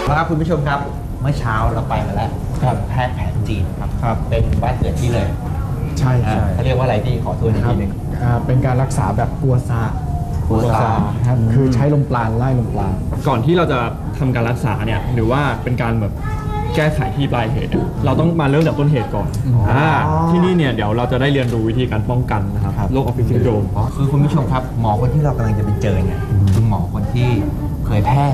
แล้วครับคุณผู้ชมครับเมื่อเช้าเราไปมาแล้วแพทย์แผนจีนครับเป็นบ้านเกิดที่เลยใช่เขาเรียกว่าอะไรที่ขอตัวอีกทีนึงเป็นการรักษาแบบกัวซาครับคือใช้ลมปราณไล่ลมปราณก่อนที่เราจะทำการรักษาเนี่ยหรือว่าเป็นการแบบแก้ไขที่ปลายเหตุเราต้องมาเริ่มจากต้นเหตุก่อนที่นี่เนี่ยเดี๋ยวเราจะได้เรียนรู้วิธีการป้องกันนะครับโรคออฟฟิศซินโดรมคือคุณผู้ชมครับหมอคนที่เรากำลังจะไปเจอเนี่ยคือหมอคนที่เคยแพร่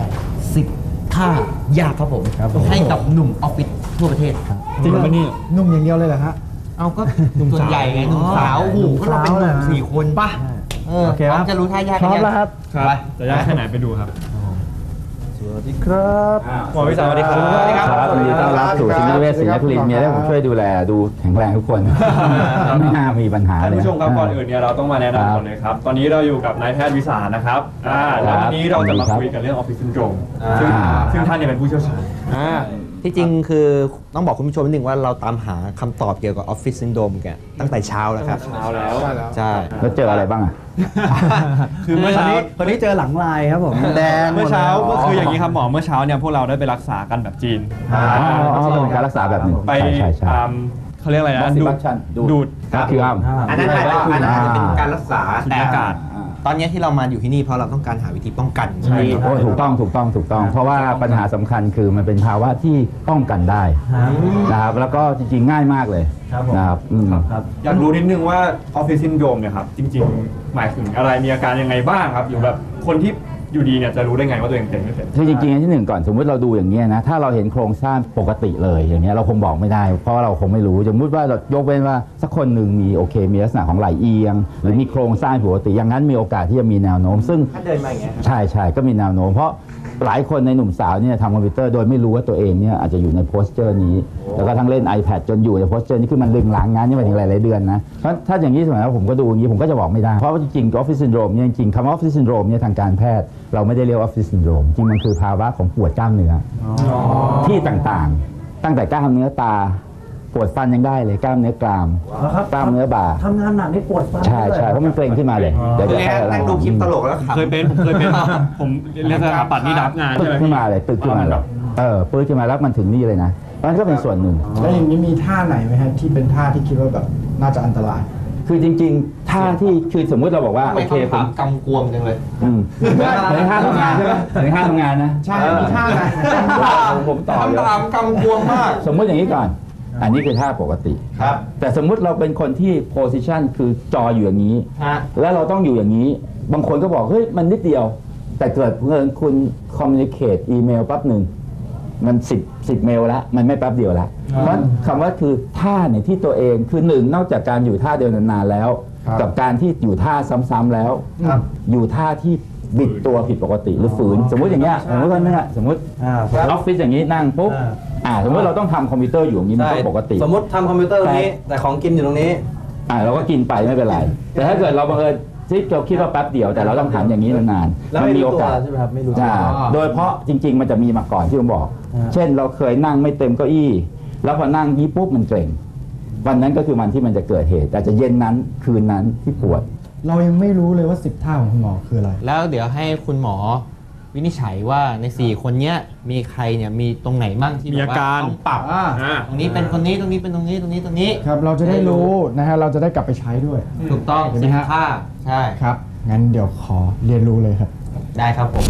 10 ท่ายากครับผมให้กับหนุ่มออฟฟิศทั่วประเทศจริงไหมนี่หนุ่มอย่างเดียวเลยเหรอฮะเอาก็หนุ่มส่วนใหญ่ไงหนุ่มสาวหูก็เราเป็นหนุ่ม4 คนป่ะโอเคครับจะรู้ท่ายากพร้อมแล้วครับจะยากแค่ไหนไปดูครับสวัสดีครับหมอวิสาสวัสดีครับครับยินดีต้อนรับสู่ชินเวชศรีนครินทร์มีอะไรผมช่วยดูแลดูแข็งแรงทุกคนไม่น่ามีปัญหาเลยท่านผู้ชมครับก่อนอื่นเนี่ยเราต้องมาแนะนำก่อนเลยครับตอนนี้เราอยู่กับนายแพทย์วิสานะครับแล้ววันนี้เราจะมาคุยกันเรื่องออฟฟิศซินโดรมซึ่งท่านเนี่ยเป็นผู้เชี่ยวชาญที่จริงคือต้องบอกคุณผู้ชมนิดนึงว่าเราตามหาคำตอบเกี่ยวกับออฟฟิศซินโดรมกันตั้งแต่เช้าแล้วครับเช้าแล้วใช่แล้วเจออะไรบ้างอ่ะคือเมื่อเช้าคนนี้เจอหลังลายครับผมแดงเมื่อเช้าก็คืออย่างนี้ครับหมอเมื่อเช้าเนี่ยพวกเราได้ไปรักษากันแบบจีนเป็นการรักษาแบบหนึ่งไปเขาเรียกอะไรนะดูดคิวอัมอันนั้นเป็นการรักษาแต่อากาศตอนนี้ที่เรามาอยู่ที่นี่เพราะเราต้องการหาวิธีป้องกันใช่ถูกต้องเพราะว่าปัญหาสำคัญคือมันเป็นภาวะที่ป้องกันได้นะครับแล้วก็จริงๆง่ายมากเลยนะครับอยากรู้นิดนึงว่าออฟฟิศซินโดรมเนี่ยครับจริงๆหมายถึงอะไรมีอาการยังไงบ้างครับอยู่แบบคนที่อยู่ดีเนี่ยจะรู้ได้ไงว่าตัวเองเป็นไม่เป็นคือจริงๆที่หนึ่งก่อนสมมติเราดูอย่างนี้นะถ้าเราเห็นโครงสร้างปกติเลยอย่างนี้เราคงบอกไม่ได้เพราะเราคงไม่รู้สมมติว่าเรายกเว้นว่าสักคนหนึ่งมีมีลักษณะของไหล่เอียงหรือมีโครงสร้างปกติอย่างนั้นมีโอกาสที่จะมีแนวโน้มซึ่งถ้าเดินมาอย่างเงี้ยใช่ก็มีแนวโน้มเพราะหลายคนในหนุ่มสาวเนี่ยทำคอมพิวเตอร์โดยไม่รู้ว่าตัวเองเนี่ยอาจจะอยู่ในโพสเจอร์นี้แล้วก็ทั้งเล่น iPad จนอยู่ในโพสเจอร์นี้คือมันลึงหลังงานนี่ไปถึงหลายๆเดือนนะเพราะถ้าอย่างนี้สมัยนั้นผมก็ดูอย่างนี้ผมก็จะบอกไม่ได้เพราะว่าจริงๆออฟฟิศซินโดรมเนี่ยจริงๆคำว่าออฟฟิศซินโดรมเนี่ยทางการแพทย์เราไม่ได้เรียกออฟฟิศซินโดรมจริงมันคือภาวะของปวดกล้ามเนื้อที่ต่างๆตั้งแต่กล้ามเนื้อตาปวดฟันยังได้เลยกล้ามเนื้อกรามกล้ามเนื้อบ่าทำงานหนักนี่ปวดฟันใช่เพราะมันเกร็งขึ้นมาเลยเดี๋ยวนั่งดูคลิปตลกแล้วเคยเป็นผมเรียนสถาปัตย์นี่รับงานใช่ไหมขึ้นมาเลยตึกขึ้นมาเลยปื้ดขึ้นมาแล้วมันถึงนี่เลยนะมันก็เป็นส่วนหนึ่งแล้วอย่างนี้มีท่าไหนไหมฮะที่เป็นท่าที่คิดว่าแบบน่าจะอันตรายคือจริงๆท่าที่คือสมมุติเราบอกว่าโอเคผมกำกวมจังเลยในท่าทำงานใช่ไหมในท่าทำงานนะใช่มีท่าไหนผมตอบเลยกำกวมมากสมมติอย่างนี้ก่อนอันนี้คือท่าปกติครับแต่สมมุติเราเป็นคนที่โพสิชันคือจออยู่อย่างนี้แล้วเราต้องอยู่อย่างนี้บางคนก็บอกเฮ้ยมันนิดเดียวแต่เกิดคุณคอมมิวนิเคตอีเมลแป๊บหนึ่งมัน10เมลแล้วมันไม่แป๊บเดียวแล้วเพราะคำว่าคือท่าเนี่ยที่ตัวเองคือหนึ่งนอกจากการอยู่ท่าเดียวนานๆแล้วกับการที่อยู่ท่าซ้ำๆแล้วอยู่ท่าที่บิดตัวผิดปกติหรือฝืนสมมติอย่างเงี้ยสมมติว่าเนี่ยสมมติออฟฟิศอย่างนี้นั่งปุ๊บสมมติเราต้องทำคอมพิวเตอร์อยู่อย่างนี้มันก็ปกติสมมติทำคอมพิวเตอร์ตรงนี้แต่ของกินอยู่ตรงนี้เราก็กินไปไม่เป็นไรแต่ถ้าเกิดเราบังเอิญที่เราคิดว่าแป๊บเดียวแต่เราต้องหันอย่างนี้นานๆมันมีโอกาสใช่ไหมครับไม่รู้โดยเพราะจริงๆมันจะมีมาก่อนที่ผมบอกเช่นเราเคยนั่งไม่เต็มเก้าอี้แล้วพอนั่งยี่ปุ๊บมันเกร็งวันนั้นก็คือวันที่มันจะเกิดเหตุแต่จะเย็นนั้นคืนนั้นที่ปวดเรายังไม่รู้เลยว่า10ท่าของคุณหมอคืออะไรแล้วเดี๋ยวให้คุณหมอวินิจฉัยว่าใน4คนนี้มีใครเนี่ยมีตรงไหนบ้างที่มีอาการต้องปรับตรงนี้เป็นคนนี้ตรงนี้เป็นตรงนี้ตรงนี้ครับเราจะได้รู้นะฮะเราจะได้กลับไปใช้ด้วยถูกต้อง10 ท่าใช่ครับงั้นเดี๋ยวขอเรียนรู้เลยครับได้ครับผม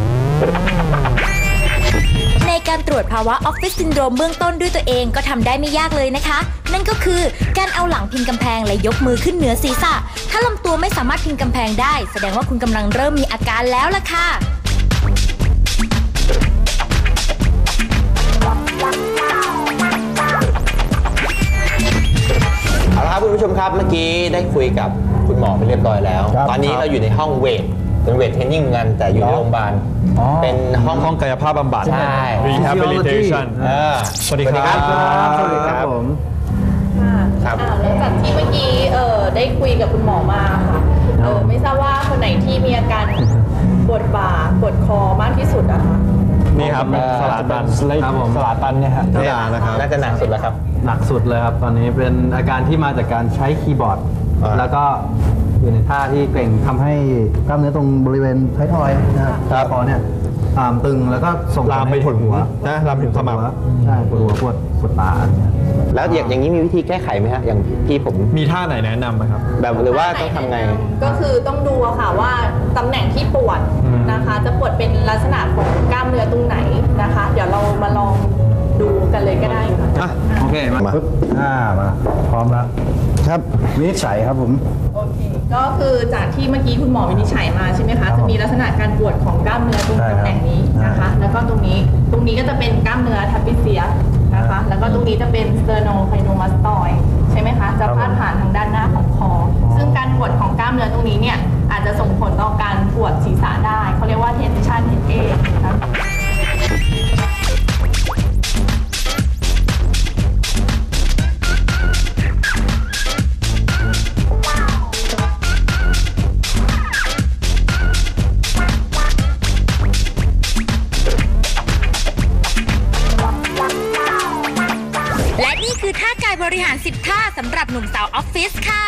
ในการตรวจภาวะออฟฟิศซินโดรมเบื้องต้นด้วยตัวเองก็ทำได้ไม่ยากเลยนะคะนั่นก็คือการเอาหลังพิงกำแพงและยกมือขึ้นเหนือศีรษะถ้าลำตัวไม่สามารถพิงกำแพงได้แสดงว่าคุณกำลังเริ่มมีอาการแล้วล่ะค่ะเอาละครับคุณผู้ชมครับเมื่อกี้ได้คุยกับคุณหมอไปเรียบร้อยแล้วตอนนี้เราอยู่ในห้องเวทเป็นเวทเทรนนิ่งกันแต่อยู่ในโรงพยาบาลเป็นห้องกายภาพบำบัดใช่ rehabilitation สวัสดีครับสวัสดีครับผมครับหลังจากที่เมื่อกี้ได้คุยกับคุณหมอมาค่ะไม่ทราบว่าคนไหนที่มีอาการปวดบ่าปวดคอมากที่สุดอะคะนี่ครับสลาตันครับผมสลาตันเนี่ยฮะน่าจะหนักสุดแล้วครับหนักสุดเลยครับตอนนี้เป็นอาการที่มาจากการใช้คีย์บอร์ดแล้วก็อยู่ในท่าที่เกร็งทำให้กล้ามเนื้อตรงบริเวณท้ายทอยนะครับคอเนี่ยตึงแล้วก็ส่งผลามไปให้ปวดหัวนะลามถึงขมับใช่ปวดหัวปวดตาอะไรเงี้ยแล้วอย่างนี้มีวิธีแก้ไขไหมฮะอย่างพี่ผมมีท่าไหนแนะนำไหมครับแบบหรือว่าต้องทำไงก็คือต้องดูอะค่ะว่าตำแหน่งที่ปวดนะคะ จะปวดเป็นลักษณะของกล้ามเนื้อตรงไหนนะคะ เดี๋ยวเรามาลองดูกันเลยก็ได้ค่ะอ่ะโอเคมาปึ๊บมาพร้อมแล้วครับวินิจฉัยครับผมโอเค ก็คือจากที่เมื่อกี้คุณหมอวินิจฉัยมาใช่ไหมคะ จะมีลักษณะการปวดของกล้ามเนื้อตรงตำแหน่งนี้นะคะ แล้วก็ตรงนี้ก็จะเป็นกล้ามเนื้อทัปปิเซียนะคะ แล้วก็ตรงนี้จะเป็นสเตอร์โนไคโนมาสตอยใช่ไหมคะ จะพาดผ่านทางด้านหน้าของคอ ซึ่งการปวดของกล้ามเนื้อตรงนี้เนี่ยอาจจะส่งผลต่อการปวดศีรษะได้ เขาเรียกว่า tension headache นะคะและนี่คือท่ากายบริหาร 10 ท่าสำหรับหนุ่มสาวออฟฟิศค่ะ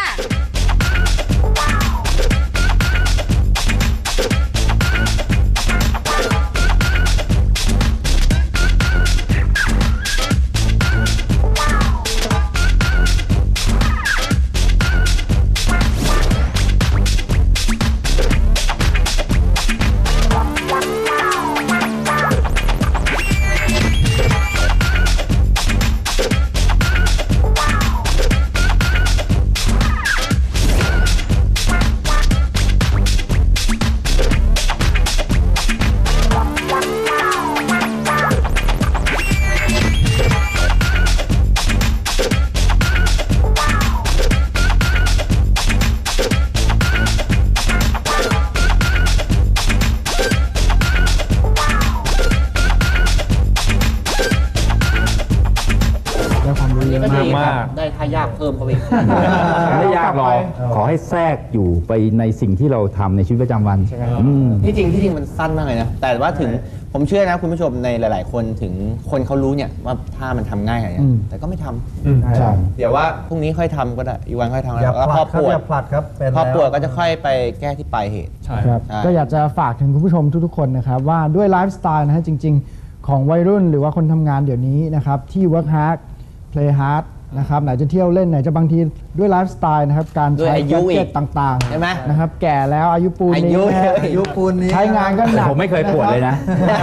ได้ความรู้เยอะก็มาดีกครับได้ท่ายากเพิ่มเข้าไปอีกไม่ยากหรอกขอให้แทรกอยู่ไปในสิ่งที่เราทำในชีวิตประจำวันอืมที่จริงมันสั้นมากเลยนะ แต่ว่าถึงผมเชื่อนะคุณผู้ชมในหลาย ๆ คนถึงคนเขารู้เนี่ยว่าถ้ามันทำง่ายอะไรเงี้ยแต่ก็ไม่ทำใช่เดี๋ยวว่าพรุ่งนี้ค่อยทำก็ได้อีกวันค่อยทำอย่าแล้วผพลัอดปครับวอดย่าผลัดครับเป็นพอแล้วปวดก็จะค่อยไปแก้ที่ปลายเหตุใช่ครับใช่ก็อยากจะฝากถึงคุณผู้ชมทุกๆคนนะครับว่าด้วยไลฟ์สไตล์นะฮะจริง ๆ ของวัยรุ่นหรือว่าคนทำงานเดี๋ยวนี้นะครับที่ work hard play hard นะครับไหนจะเที่ยวเล่นไหนจะบางทีด้วยไลฟ์สไตล์นะครับการด้วยใช้อายุแกดอีเจ็กตต่างใช่ไหมๆนะครับแก่แล้วอายุปูนอานี้ยุนะฮะอายุปูนนี้ใช้งานก็หนักผมไม่เคยปวดเลยนะ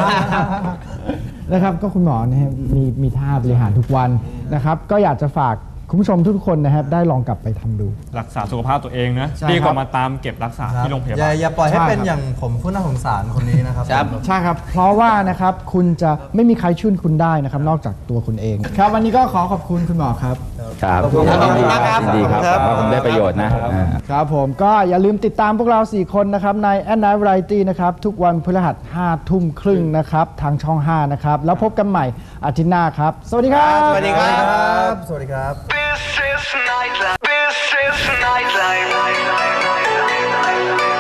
นะครับก็คุณหมอนะฮะมีท่าบริหารทุกวันนะครับก็อยากจะฝากคุณผู้ชมทุกคนนะครับได้ลองกลับไปทำดูรักษาสุขภาพตัวเองนะใช่ดีกครัว่าบมาตามเก็บรักษาครับที่โรงพยาอย่าบาลอย่าปล่อยให้ใช่เป็นครับอย่างผมผู้น่าสงสารคนนี้นะครับครับใช่ครับเพราะว่านะครับคุณจะไม่มีใครช่วยคุณได้นะครับนอกจากตัวคุณเอง ครับวันนี้ก็ขอบคุณคุณหมอครับครับขอบคุณครับยินดีครับขอบคุณครับว่าผมได้ประโยชน์นะอ่าครับผมก็อย่าลืมติดตามพวกเรา 4 คนนะครับใน At Night Variety นะครับทุกวันพฤหัส 5 ทุ่มครึ่งนะครับทางช่อง 5 นะครับแล้วพบกันใหม่อาทิตย์หน้าครับ สวัสดีครับสวัสดีครับสวัสดีครับ This is nightlife. This is nightlife.